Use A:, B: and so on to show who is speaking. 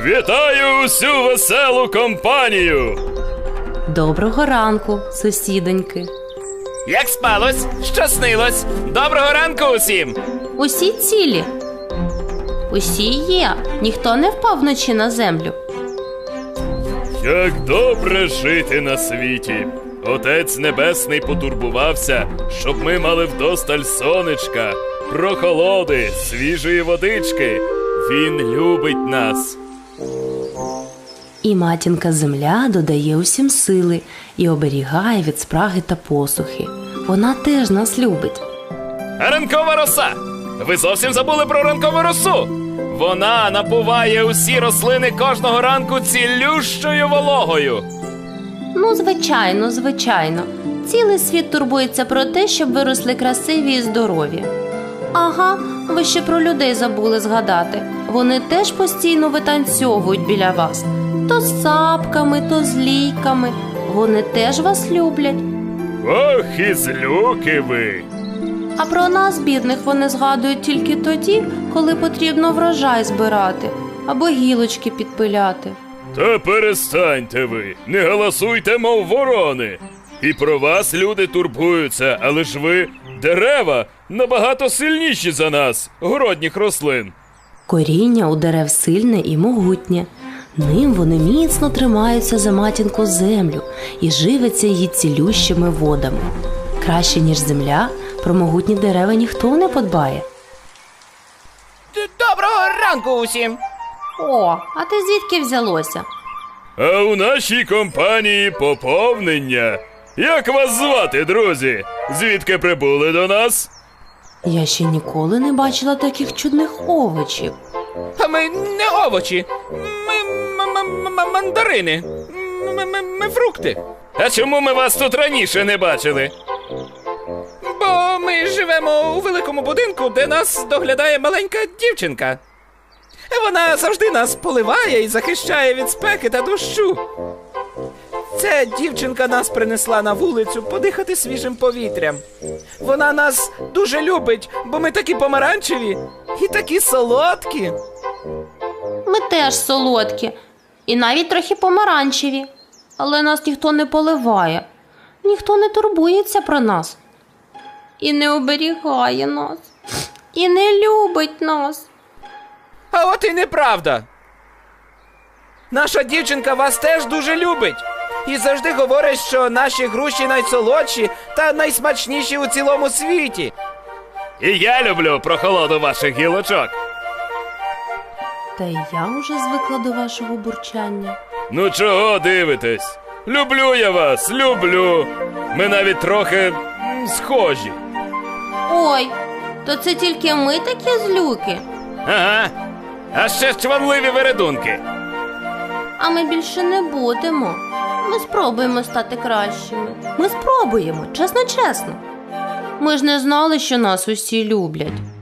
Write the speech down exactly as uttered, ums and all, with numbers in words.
A: Вітаю усю веселу компанію!
B: Доброго ранку, сусідоньки.
C: Як спалось? Що снилось? Доброго ранку усім!
B: Усі цілі? Усі є. Ніхто не впав вночі на землю.
A: Як добре жити на світі! Отець Небесний потурбувався, щоб ми мали вдосталь сонечка, прохолоди, свіжої водички. Він любить нас.
B: І матінка земля додає усім сили і оберігає від спраги та посухи. Вона теж нас любить.
C: А ранкова роса! Ви зовсім забули про ранкову росу! Вона напуває усі рослини кожного ранку цілющою вологою.
B: Ну, звичайно, звичайно. Цілий світ турбується про те, щоб виросли красиві і здорові. Ага, ви ще про людей забули згадати. Вони теж постійно витанцьовують біля вас. То з сапками, то з лійками. Вони теж вас люблять.
A: Ох, і злюки ви!
B: А про нас, бідних, вони згадують тільки тоді, коли потрібно врожай збирати або гілочки підпиляти.
A: Та перестаньте ви, не галасуйте, мов ворони. І про вас люди турбуються, але ж ви, дерева, набагато сильніші за нас, городніх рослин.
B: Коріння у дерев сильне і могутнє. Ним вони міцно тримаються за матінку землю і живиться її цілющими водами. Краще, ніж земля, про могутні дерева ніхто не подбає.
C: Доброго ранку усім!
B: О, а ти звідки взялося?
A: А у нашій компанії поповнення. Як вас звати, друзі? Звідки прибули до нас?
B: Я ще ніколи не бачила таких чудних овочів.
C: А ми не овочі, ми м- м- м- мандарини, ми, ми, ми фрукти. А чому ми вас тут раніше не бачили? Бо ми живемо у великому будинку, де нас доглядає маленька дівчинка. Вона завжди нас поливає і захищає від спеки та дощу. Ця дівчинка нас принесла на вулицю подихати свіжим повітрям. Вона нас дуже любить, бо ми такі помаранчеві і такі солодкі.
B: Ми теж солодкі і навіть трохи помаранчеві. Але нас ніхто не поливає, ніхто не турбується про нас. І не оберігає нас, і не любить нас.
C: А от і неправда. Наша дівчинка вас теж дуже любить. І завжди говорить, що наші груші найсолодші та найсмачніші у цілому світі. І я люблю прохолоду ваших гілочок.
B: Та й я вже звикла до вашого бурчання.
A: Ну чого дивитесь? Люблю я вас, люблю. Ми навіть трохи м, схожі.
B: Ой, то це тільки ми такі злюки?
C: Ага. А ще чванливі вередунки.
B: А ми більше не будемо. Ми спробуємо стати кращими. Ми спробуємо, чесно-чесно. Ми ж не знали, що нас усі люблять.